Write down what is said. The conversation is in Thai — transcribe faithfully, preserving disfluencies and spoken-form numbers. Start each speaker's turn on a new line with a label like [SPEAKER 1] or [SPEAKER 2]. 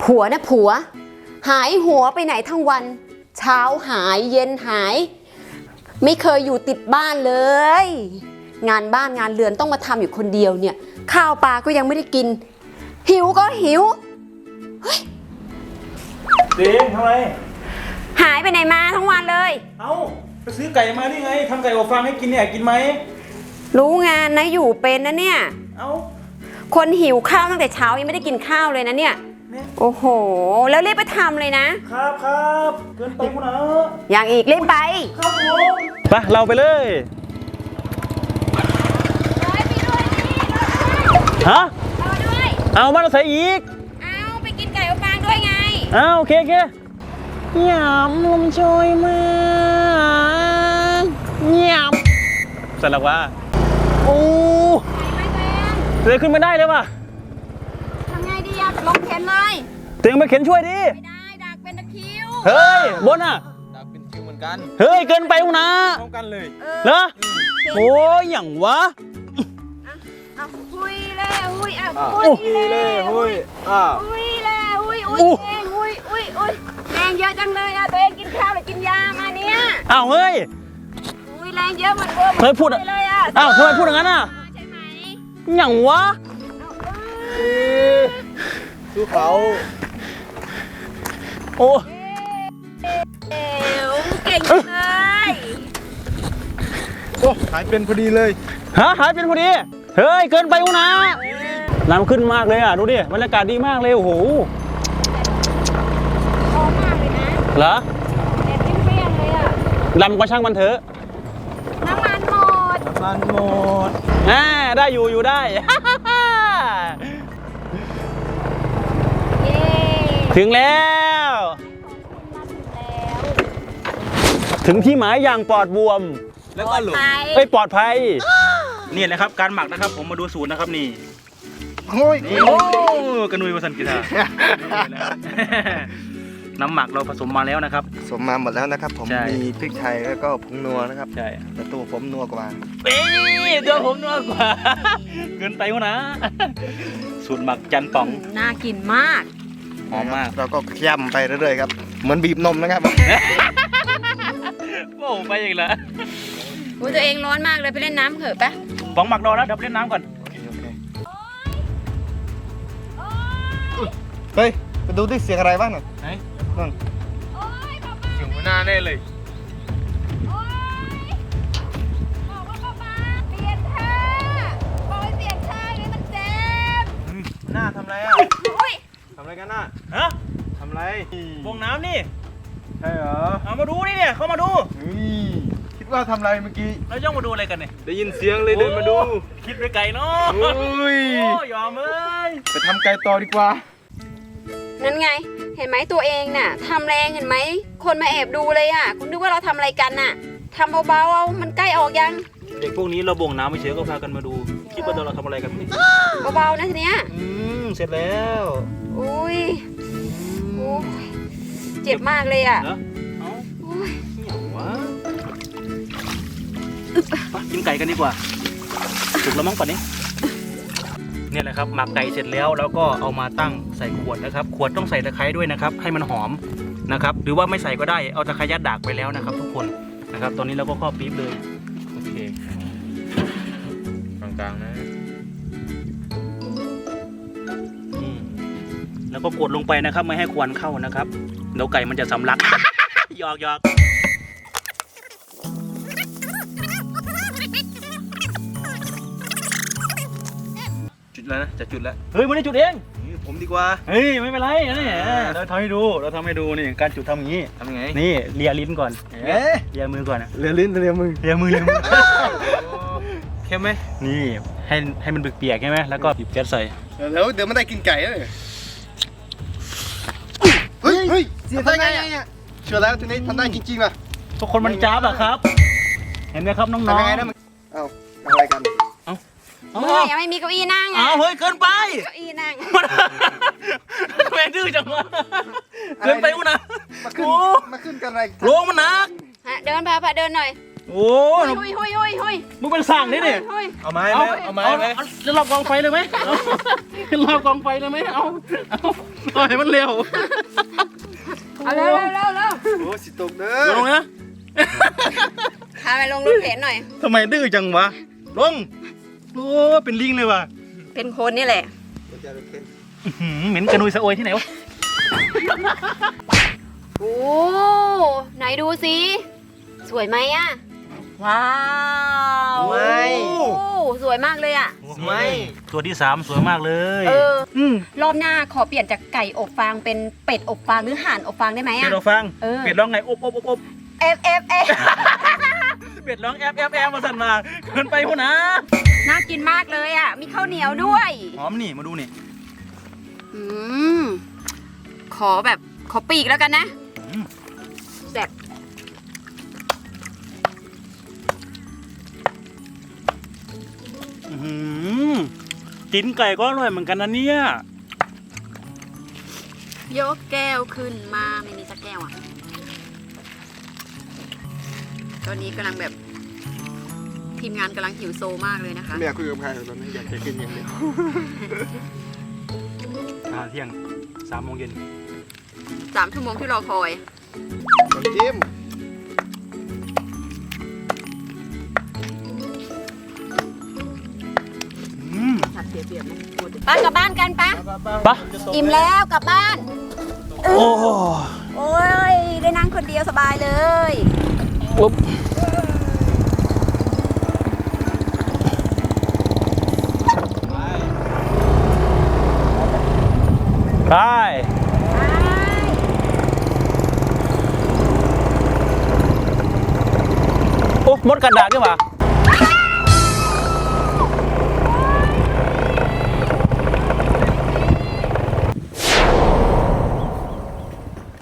[SPEAKER 1] ผัวนะผัวหายหัวไปไหนทั้งวันเช้าหายเย็นหายไม่เคยอยู่ติดบ้านเลยงานบ้านงานเรือนต้องมาทำอยู่คนเดียวเนี่ยข้าวปลาก็ยังไม่ได้กินหิวก็หิวเฮ้ย
[SPEAKER 2] เด็กทำไม
[SPEAKER 1] หายไปไหนมาทั้งวันเลย
[SPEAKER 2] เอ้าไปซื้อไก่มานี่ไงทำไก่อบฟางให้กินเนี่ยกินไหม
[SPEAKER 1] รู้งานนะอยู่เป็นนะเนี่ย
[SPEAKER 2] เอ้า
[SPEAKER 1] คนหิวข้าวตั้งแต่เช้ายังไม่ได้กินข้าวเลยนะเนี่ยโอ้โหแล้วรีบไปทำเลยนะครับ
[SPEAKER 2] ครับเกินไปกูนะ
[SPEAKER 1] อย่างอีกรีบไป
[SPEAKER 2] ครับผมไปเราไปเลยฮะเอาด้วยเอามาเราใส่อีก
[SPEAKER 1] เอาไปกินไก่อบฟางด้วยไง
[SPEAKER 2] เอาโอเคโอเคหยำลมโชยมาหยำเสร็จแล้ววะโอ้เลยขึ้นไม่ได้เลยว่ะ
[SPEAKER 1] ทำไงดีอะลงเข็นเลย
[SPEAKER 2] เตียงไปเข็นช่วยดิ
[SPEAKER 1] ไม่ได้ดักเป็นตะคิว
[SPEAKER 2] เฮ้ยบนอ่ะ
[SPEAKER 3] ดักเป็นคิวเหมือนกัน
[SPEAKER 2] เฮ้ยเกินไปนะ
[SPEAKER 3] พร้อมกันเลย
[SPEAKER 2] เหรอโอ้ยอย่างวะ
[SPEAKER 1] เอาหุยเลยหุยอ่ะ
[SPEAKER 3] หุยเลยหุยอ่ะ
[SPEAKER 1] หุยเลยหุยอุ้ยเองหุยอุ้ยอุ้ยแรงเยอะจังเลยอ่ะตัวเองกินข้าวหรือกินยามาเนี่ย
[SPEAKER 2] อ้าวเฮ้ย
[SPEAKER 1] หุยแรงเยอะมันเวอร์
[SPEAKER 2] เฮ้ยพูดเลยอ่ะอ้าวทำไมพูดอย่างนั้นอ่ะ
[SPEAKER 1] ใช่ไหม
[SPEAKER 2] อย่างวะ
[SPEAKER 3] ดูเขา
[SPEAKER 2] โอ้
[SPEAKER 1] เอวเก่งเลย
[SPEAKER 3] โอ้หายเป็นพอดีเลย
[SPEAKER 2] ฮะหายเป็นพอดีเฮ้ยเกินไปกูนะน้ำขึ้นมากเลยอ่ะดูดิบรรยากาศดีมากเลยโอ้โห
[SPEAKER 1] หอมมากเลยนะ
[SPEAKER 2] เหรอ
[SPEAKER 1] เด็ดเปรี้ยงเลยอ่ะ
[SPEAKER 2] ลำก็ช่างมันเถอะ
[SPEAKER 1] น้ำมันหมด
[SPEAKER 3] น้ำมันหมด
[SPEAKER 2] อ่าได้อยู่อยู่ได้ถึงแล้วถึงที่หมายอย่างปลอดบวม
[SPEAKER 3] แล้วก็หลุด
[SPEAKER 2] เอ้ยปลอดภัยนี่นะครับการหมักนะครับผมมาดูสูตรนะครับนี่
[SPEAKER 3] โอ้ย
[SPEAKER 2] โอ้กระนุยวสันกิตาน้ำหมักเราผสมมาแล้วนะครับ
[SPEAKER 3] ผสมมาหมดแล้วนะครับผมมีพริกไทยแล้วก็ผงนัวนะครับ
[SPEAKER 2] ใช่
[SPEAKER 3] แต่ตัวผมนัวกว่า
[SPEAKER 2] เอ้ยตัวผมนัวกว่าเกินไปวะนะสูตรหมักจันป่อง
[SPEAKER 1] น่ากินมาก
[SPEAKER 2] หอมมาก
[SPEAKER 3] เราก็เคี่ยมไปเรื่อยๆครับเหมือนบีบนมนะครับ
[SPEAKER 2] โอ้ไปอีกแล้ว
[SPEAKER 1] อุ้ยตัวเองร้อนมากเลยไปเล่นน้ำเถอะปะ
[SPEAKER 2] ป๋องหมักรอแล้วเดี๋ยวเล่นน้ำก่อน
[SPEAKER 3] เฮ้ยไปดูที่เสียงอะไรบ้างหน่อย
[SPEAKER 2] ไหน
[SPEAKER 3] นั่นเสียงหัวหน้าแน่เลยหน้าทำไรอ่ะทำอะไรกันน่ะ
[SPEAKER 2] ฮะ
[SPEAKER 3] ทำไร
[SPEAKER 2] วงน้ำนี่
[SPEAKER 3] ใช่เหรอ
[SPEAKER 2] เอามาดูนี่เนี่ยเขามาดู
[SPEAKER 3] คิดว่าทำไรเมื่อกี้
[SPEAKER 2] เราย่องมาดูอะไรกันเนี่ย
[SPEAKER 3] ได้ยินเสียงเลยเดินมาดู
[SPEAKER 2] คิดไปไกลเนาะ
[SPEAKER 3] โอ้ย
[SPEAKER 2] ยอมเลย
[SPEAKER 3] ไปทำไกลต่อดีกว่า
[SPEAKER 1] นั่นไงเห็นไหมตัวเองน่ะทำแรงเห็นไหมคนมาแอบดูเลยอ่ะคุณนึกว่าเราทำอะไรกันน่ะทำเบาๆเอามันใกล้ออกยัง
[SPEAKER 2] เด็กพวกนี้เราบ่งน้ำไม่เฉยก็พากันมาดูคิดว่าเราทำอะไรกันนี่
[SPEAKER 1] เบาๆนะทีเนี้ย
[SPEAKER 2] อืมเสร็จแล้ว
[SPEAKER 1] อุ้ยโอ้ยเจ็บมากเลยอ่ะ
[SPEAKER 2] เนาะเอ้าอุ้ยเหนียววะไปกินไก่กันดีกว่าถูกแล้วมั้งป่านนี้เนี่ยแหละครับหมักไก่เสร็จแล้วแล้วก็เอามาตั้งใส่ขวดนะครับขวดต้องใส่ตะไคร้ด้วยนะครับให้มันหอมนะครับหรือว่าไม่ใส่ก็ได้เอาตะไคร้ยัดดากไปแล้วนะครับทุกคนนะครับตอนนี้เราก็ครอบปี๊บเลยโอเค
[SPEAKER 3] กลางๆนะ
[SPEAKER 2] แล้วก็กดลงไปนะครับไม่ให้ควันเข้านะครับเดี๋ยวไก่มันจะสำลักหยอกหยอก
[SPEAKER 3] จุดแล้วนะจะจุดแล้ว
[SPEAKER 2] เฮ้ยมันได้จุดเอง
[SPEAKER 3] ผมดีกว่า
[SPEAKER 2] เฮ้ยไม่เป็นไรนี่เราทำให้ดูเราทำให้ดูนี่การจุดทำอย่างนี้
[SPEAKER 3] ทำยังไง
[SPEAKER 2] นี่เลียลิ้นก่อนเลียมือก่อนนะ
[SPEAKER 3] เลียลิ้นเลียมือ
[SPEAKER 2] เลียมือเลียมือ
[SPEAKER 3] เข้มไหม
[SPEAKER 2] นี่ให้ให้มันเปียกใช่ไหมแล้วก็หยิบแก๊สใส่
[SPEAKER 3] แล้วเดี๋ยวมันได้กินไก่เลยเฮ้ยเฮ้ยเสียได้ไงเนี่ยเชื่อแล้วทีนี้ทำได้จริงๆป่ะ
[SPEAKER 2] ทุกคนมันจ้าบอะครับเห็นไหมครับน้องๆทำยังไงนะ
[SPEAKER 3] เอ้าอะไรกัน
[SPEAKER 2] เอ้า
[SPEAKER 1] เฮ้ยยังไม่มีเก้าอี้นั่ง
[SPEAKER 2] อ้าวเฮ้ยเกินไป
[SPEAKER 1] เก้าอี้นั่ง
[SPEAKER 2] แม่ดื้อจังวะเกินไปกูนะ
[SPEAKER 3] มาขึ้นมาขึ้นกันอะไร
[SPEAKER 2] ลงมันหนัก
[SPEAKER 1] เดินพาพาเดินหน่อย
[SPEAKER 2] โอ้โอ้
[SPEAKER 1] หุยหุยหุยหุย
[SPEAKER 2] มึงเป็นสั่งนี่เนี่ย
[SPEAKER 1] หุย
[SPEAKER 3] เอาไหม
[SPEAKER 2] เอา
[SPEAKER 3] เอาไหม
[SPEAKER 2] เอา
[SPEAKER 3] เอาไหม
[SPEAKER 2] เอาแล้วเรากองไฟเลยไหมเอาเรากองไฟเลยไหมเอาเอาปล่อยมันเร็ว
[SPEAKER 1] เอาเร็วเร็วเร็วเร็ว
[SPEAKER 3] โอ้สิตกเด้อ
[SPEAKER 2] ลงนะ
[SPEAKER 1] พาไปลงรถเข็นหน่อย
[SPEAKER 2] ทำไมดื้อจังวะลงโอ้เป็นลิงเลยว่ะ
[SPEAKER 1] เป็นคนนี่แหละ
[SPEAKER 2] อื้อหือเหม็นกระนุยสะโอยที่ไหนวะ
[SPEAKER 1] โอ้ไหนดูสิสวยไหมอะว้าว
[SPEAKER 3] ไม่
[SPEAKER 1] โอ้สวยมากเลยอะ
[SPEAKER 3] ไม่
[SPEAKER 2] ตัวที่สามสวยมากเลย
[SPEAKER 1] เออ
[SPEAKER 2] อืม
[SPEAKER 1] รอบหน้าขอเปลี่ยนจากไก่อบฟางเป็นเป็ดอบฟางหรือห่านอบฟางได้ไหม
[SPEAKER 2] เป็
[SPEAKER 1] อะ
[SPEAKER 2] ดร้องฟัง
[SPEAKER 1] เออ
[SPEAKER 2] เป็ดร้องไงอบอบอบอบ
[SPEAKER 1] เอฟเอฟเอฟ
[SPEAKER 2] เป็ดร้องแอบแอบแอบมาสั่นมาเกินไปหัวนะ
[SPEAKER 1] น่ากินมากเลยอะมีข้าวเหนียวด้วย
[SPEAKER 2] หอมนี่มาดูนี่
[SPEAKER 1] อืมขอแบบขอปีกแล้วกันนะ
[SPEAKER 2] อืม
[SPEAKER 1] แซ่บ
[SPEAKER 2] อื้อหือกินไก่ก็อร่อยเหมือนกันนะเนี่ย
[SPEAKER 1] ยกแก้วขึ้นมาไม่มีสักแก้วอ่ะตอนนี้กำลังแบบทีมงานกำลังหิวโซมากเลยนะคะ
[SPEAKER 3] ไม่อยากคุยกับใครตอนนี้อยากจะกินอย่างเดียว
[SPEAKER 2] อาหารเที่ยงสามโมงเย็น
[SPEAKER 1] สามชั่วโมงที่รอคอย
[SPEAKER 3] น้ำจิ้ม
[SPEAKER 2] อืม
[SPEAKER 1] สัตว์เสียเปรียบนะป้ากลับบ้านกันปะ
[SPEAKER 2] ปะ
[SPEAKER 1] อิ่มแล้วกลับบ้าน
[SPEAKER 2] โอ้
[SPEAKER 1] โอ้ยได้นั่งคนเดียวสบายเลย
[SPEAKER 2] ปุ๊บไปโอ้มดกันดากด้วยวะ